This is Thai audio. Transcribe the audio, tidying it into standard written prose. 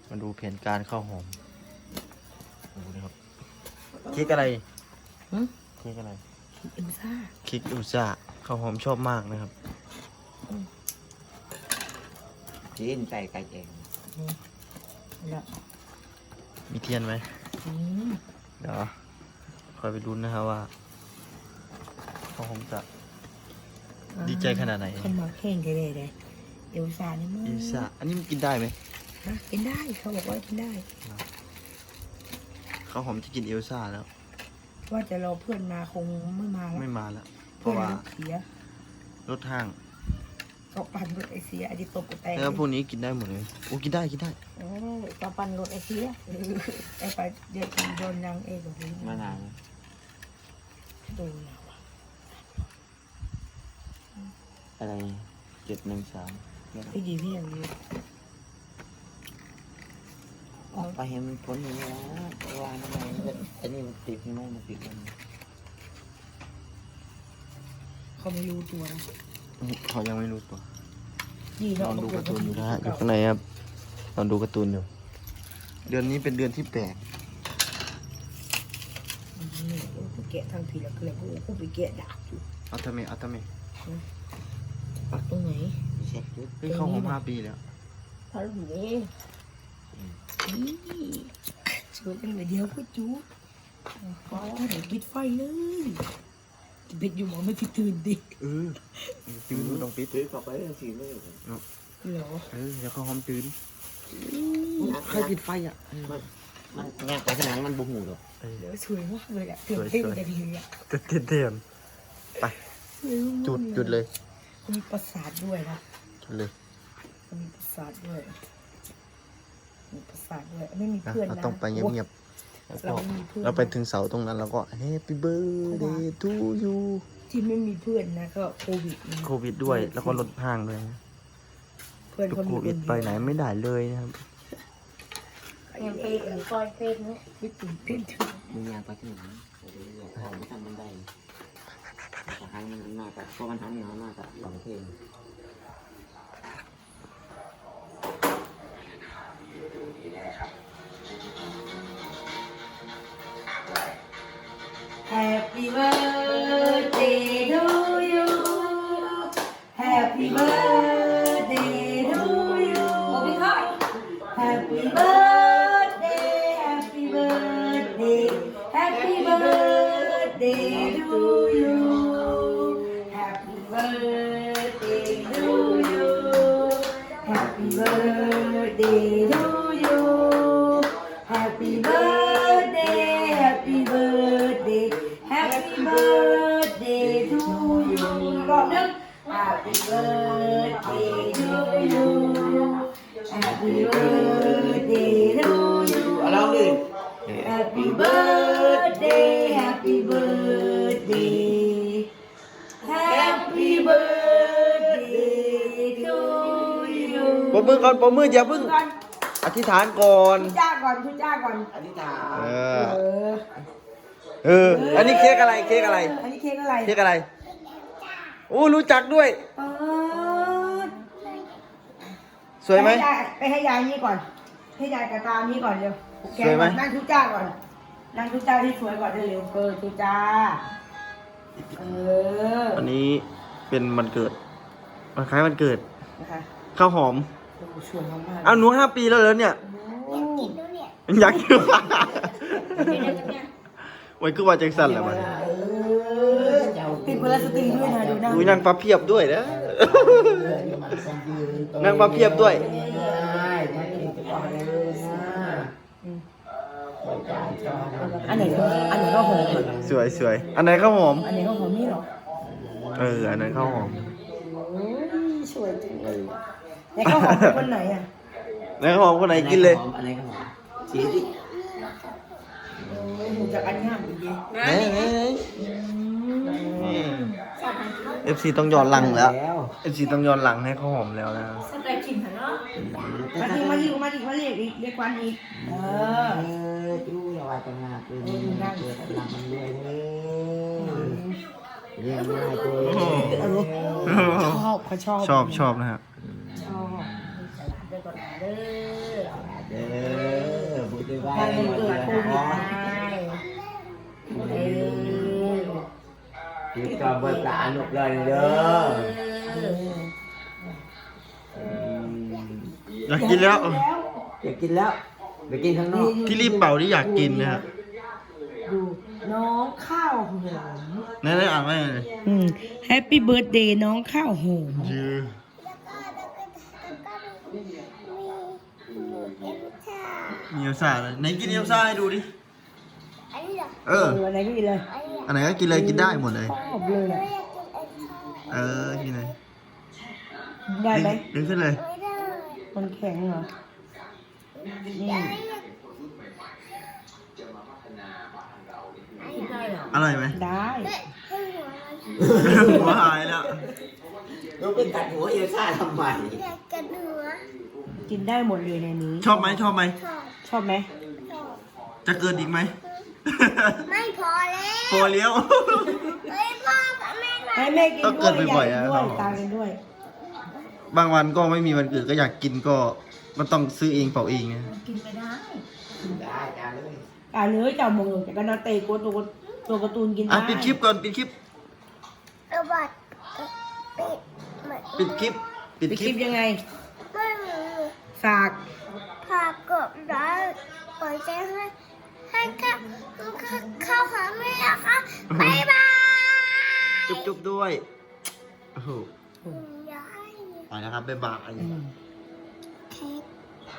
มาดูแผนการข้าวหอมดูนะครับเค้กอะไรเค้กอะไรเอ็มซ่าเค้กอุซ่าข้าวหอมชอบมากนะครับจีนไก่เองแล้วมีเทียนไหมเดี๋ยวคอยไปลุ้นนะครับว่าข้าวหอมจะดีใจขนาดไหนคนมาแข่งกันเลยเอลซ่านี่มั้งเอลซ่าอันนี้มันกินได้ไหมกินได้เขาบอกว่ากินได้ข้าวหอมจะกินเอลซ่าแล้วว่าจะรอเพื่อนมาคงไม่มาแล้วเพเพื่อราะนว่ารถเสียรถห้างเขาปั่นรถไอเสียไอที่ตกกระแตกแล้วพวกนี้กินได้หมดเลยโอ้กินได้โอ้เขาปั่นรถไอเสียไอไปเดี๋ยวโดนยังเองแบบนี้มานานโดนแล้วอะไร713 พี่ดีพี่อย่างนี้ออกไปเห็นมันพ้นอยู่แล้ววางทำไมอันนี้มันติดไม่มันติดกันเขาไม่รู้ตัวนะเขายังไม่รู้ตัวนอนดูการ์ตูนอยู่นะฮะอยู่ข้างในครับนอนดูการ์ตูนอยู่เดือนนี้เป็นเดือนที่แปลกกูแกะทางทีละเกลือกูไปแกะดาบอยู่เอาทำไมปักตรงไหนเช็คดูเฮ้ยเข้าหอม5 ปีแล้วพาลูกนี่ช่วยกันเดียวก็จู๊พอเดี๋ยวปิดไฟเลยปิดอยู่หมอไม่ปิดตื่นดิตื่นต้องปิดตื้อต่อไปสิเลยเหรอเดี๋ยวเข้าหอมตื่นใครปิดไฟอ่ะมันงานไปขนาดมันบุกหูหรอเดี๋ยวสวยมากเลยอ่ะเต้นกันเลยอ่ะเต้นไปจุดเลยมีประสาทด้วยนะจุดเลยมีประสาทด้วยไม่มีเพื่อนนะต้องไปเงียบๆเราไปถึงเสาตรงนั้นแล้วก็ Happy Birthday to you ที่ไม่มีเพื่อนนะก็โควิดด้วยแล้วก็ลดห่างด้วยเพื่อนเขาโควิดไปไหนไม่ได้เลยนะครับยังไปคอยเพลงนะไม่ตื่นเต้นมึงอยากไปที่ไหนของไม่ทำมันได้แต่ครั้งมันมากเพราะมันทำน้อยมากสองเพลง Happy birthday to you Happy birthday to you Happy birthday Happy birthday Happy birthday to you Happy birthday to you Happy birthday to you Happy birthday Happy birthday Happy birthday to you รอบนึง Happy birthday to you Happy birthday to you เอาลองดิ Happy birthday Happy birthday Happy birthday to you ปมมือก่อนปมมืออย่าเพิ่งอธิษฐานก่อนทุจ้าก่อนอธิษฐานอันนี้เค้กอะไรอันนี้เค้กอะไรโอ้รู้จักด้วยสวยไหมไปให้ยายนี่ก่อนให้ยายกระตานี่ก่อนเร็วสวยไหมนั่งทุจ้าก่อนนั่งทุจ้าที่สวยก่อนเร็วทุจ้าอันนี้เป็นวันเกิดวันคล้ายวันเกิดข้าวหอมเอาหนู5 ปีแล้วเหรอเนี่ยอยากกินวันคือว่าแจ็คสันแหละมันติดพลาสติกด้วยนะดูนะนั่งปลาเพียบด้วยนะนั่งปลาเพียบด้วยอันไหนข้าวหอมสวยอันไหนข้าวหอมอันไหนข้าวหอมนี่หรออันไหนข้าวหอมสวยจังเลยไหนข้าวหอมคนไหนอ่ะไหนข้าวหอมคนไหนกินเลยอันไหนข้าวหอมชี้ดิจากอันงามดี FC ต้องย้อนหลังแล้ว FC ต้องย้อนหลังให้ข้าวหอมแล้วนะสเปรย์กินเถอะเนาะมาเรียกวันอีกดูอย่าว่าจะงาเลยนั่งเกิดหลังมันเลยเรียกง่ายตัวชอบนะฮะชอบเดี๋ยวก่อนเด้อเด้อบุญด้วยว่าถ้ามันเกิดโควิดไปคิดก่อนเบิกตาหนุกเลยเด้ออยากกินแล้วอยากกินแล้วไปกินข้างนอกที่รีบเป่าที่อยากกินนะครับดูน้องข้าวหอมนั่นได้อ่านว่าไงแฮปปี้เบิร์ดเดย์น้องข้าวหอมยือ มีเอลซ่าเลยไหนกินเอลซ่าให้ดูดิ เอออะไรก็กินเลยอันไหนก็กินเลยกินได้หมดเลยชอบเลยอะเออ กินเลยได้ไหมดึงขึ้นเลยมันแข็งเหรอนี่ได้เหรออร่อยไหมได้หัวหายแล้วลูกไปกัดหัวเอลซ่าทำไมกินได้หมดเลยในนี้ชอบไหมชอบไหมชอบไหมจะเกินอีกไหมไม่พอแล้วโฟเลี้ยวเฮ้ยพ่อกับแม่มาให้แม่กินต้องด้เกิวยดบ่อยๆยายกินอะด้วยครับตากินด้วยบางวันก็ไม่มีวันเกิดก็อยากกินก็มันต้องซื้อเองเป่าเองนะกินไปได้ได้จ้าเลยอ่าเนื้อเจ้ามงแต่ก็นาเตะตัวการ์ตูนกินได้อ่ะปิดคลิปก่อนปิดคลิประบาดปิดเหมือนปิดคลิป ปิดปิดคคลิลิปปยังไงไม่มีฝากพากบร้านปล่อยใจให้เข้าหาแม่นะคะบ๊ายบายจุ๊บๆด้วยโอ้โหยายไปแล้วครับบ๊ายบายเค้ก